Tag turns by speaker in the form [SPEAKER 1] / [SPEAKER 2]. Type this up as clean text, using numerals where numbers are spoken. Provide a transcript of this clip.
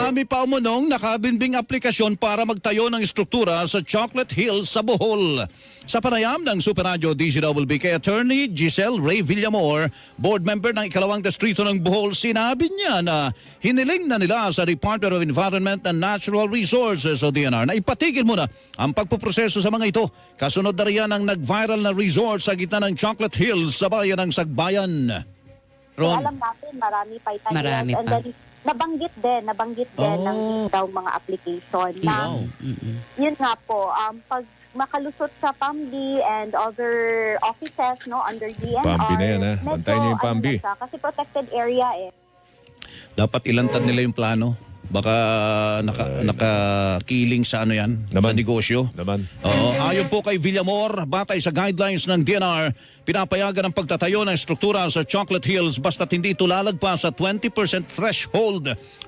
[SPEAKER 1] Marami pa umunong nakabinbing aplikasyon para magtayo ng struktura sa Chocolate Hills sa Bohol. Sa panayam ng Super Radio DZWB kay Attorney Giselle Ray Villamor, board member ng ikalawang distrito ng Bohol, sinabi niya na hiniling na nila sa Department of Environment and Natural Resources o DNR na ipatigil muna ang pagpuproseso sa mga ito. Kasunod na riyan ang nag-viral na resort sa gitna ng Chocolate Hills sa bayan ng Sagbayan.
[SPEAKER 2] So, alam natin, marami pa itayo.
[SPEAKER 3] Marami
[SPEAKER 2] And
[SPEAKER 3] pa.
[SPEAKER 2] then, nabanggit din ng daw mga application na yun nga po, pag makalusot sa PAMBI and other offices no under DNR,
[SPEAKER 4] PAMBI na yan, ha? Bantayan niyo yung PAMBI.
[SPEAKER 2] na siya, kasi protected area eh.
[SPEAKER 1] Dapat ilantad nila yung plano. Baka nakakiling sa ano yan, sa
[SPEAKER 4] Naman.
[SPEAKER 1] negosyo.
[SPEAKER 4] Naman.
[SPEAKER 1] Oo, ayon po kay Villamor, batay sa guidelines ng DNR, pinapayagan ang pagtatayo ng struktura sa Chocolate Hills basta't hindi ito lalagpas sa 20% threshold